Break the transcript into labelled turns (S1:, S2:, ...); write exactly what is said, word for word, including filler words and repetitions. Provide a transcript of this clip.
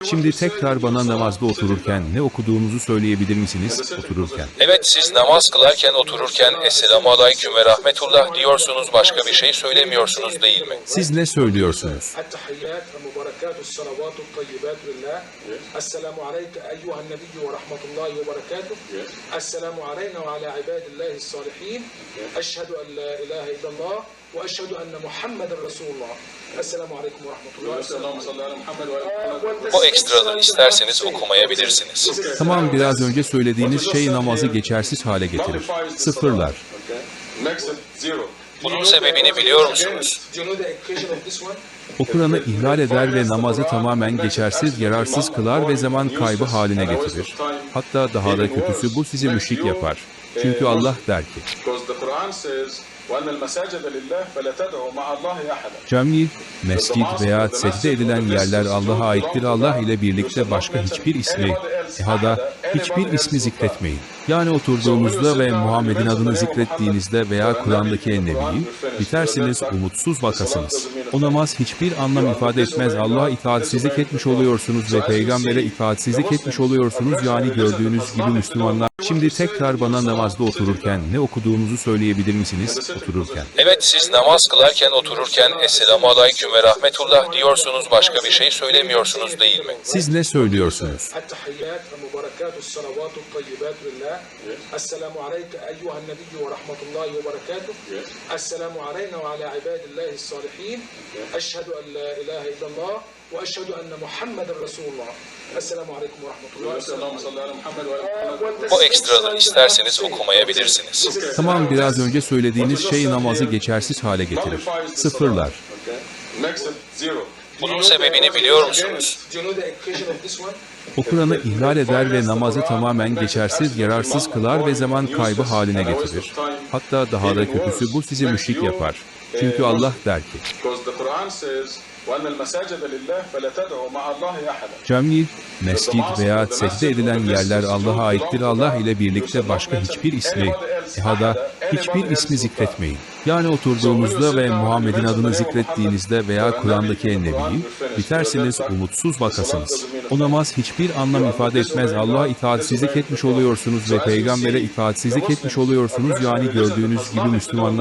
S1: Şimdi tekrar bana namazda otururken ne okuduğunuzu söyleyebilir misiniz? Otururken.
S2: Evet, siz namaz kılarken otururken Esselamu Aleyküm ve Rahmetullah diyorsunuz, başka bir şey söylemiyorsunuz değil mi?
S1: Siz ne söylüyorsunuz?
S3: التحيات المباركات الصلوات الطيبات لله السلام عليك أيها النبي ورحمة الله وبركاته السلام علينا وعلى عباد الله الصالحين أشهد أن لا إله إلا الله وأشهد أن محمد رسول الله السلام عليكم ورحمة الله
S2: O ekstraları isterseniz okumayabilirsiniz.
S1: Tamam, biraz önce söylediğiniz şey namazı geçersiz hale getirir. Sıfırlar.
S2: Bunun sebebini biliyor musunuz?
S3: Do you know the equation of this one?
S1: O Kur'an'ı ihlal eder ve namazı tamamen geçersiz, yararsız kılar ve zaman kaybı haline getirir. Hatta daha da kötüsü, bu sizi müşrik yapar. Çünkü Allah der ki, cami, mescid veya secde edilen yerler Allah'a aittir. Allah ile birlikte başka hiçbir ismi, ehada, hiçbir ismi zikretmeyin. Yani oturduğunuzda ve Muhammed'in adını zikrettiğinizde veya Kur'an'daki ennebiyi, bitersiniz, umutsuz vakasınız. O namaz hiçbir anlam ifade etmez. Allah'a itaatsizlik etmiş oluyorsunuz ve peygambere itaatsizlik etmiş oluyorsunuz. Yani gördüğünüz gibi Müslümanlar. Şimdi tekrar bana namazda otururken ne okuduğunuzu söyleyebilir misiniz? Otururken.
S2: Evet, siz namaz kılarken otururken Esselamu Aleyküm ve Rahmetullah diyorsunuz, başka bir şey söylemiyorsunuz değil mi?
S1: Siz ne söylüyorsunuz?
S3: التحيات المباركات الصلوات الطيبات لله السلام عليك أيها النبي ورحمة الله وبركاته السلام علينا وعلى عباد الله الصالحين أشهد أن لا إله إلا الله وأشهد أن محمد رسول الله السلام عليكم ورحمة الله
S2: O ekstraları isterseniz okumayabilirsiniz.
S1: Tamam, biraz önce söylediğiniz şey namazı geçersiz hale getirir. Sıfırlar.
S2: Bunun sebebini biliyor musunuz?
S3: Do you know the equation of this one?
S1: O Kur'an'ı ihlal eder ve namazı tamamen geçersiz, yararsız kılar ve zaman kaybı haline getirir. Hatta daha da kötüsü, bu sizi müşrik yapar. Çünkü Allah der ki, cami, mescid veya secde edilen yerler Allah'a aittir. Allah ile birlikte başka hiçbir ismi, ehada, hiçbir ismi zikretmeyin. Yani oturduğunuzda ve Muhammed'in adını zikrettiğinizde veya Kur'an'daki ennebiyi, bitersiniz, umutsuz vakasınız. O namaz hiçbir anlam ifade etmez. Allah'a itaatsizlik etmiş oluyorsunuz ve peygambere itaatsizlik etmiş oluyorsunuz. Yani gördüğünüz gibi Müslümanlar.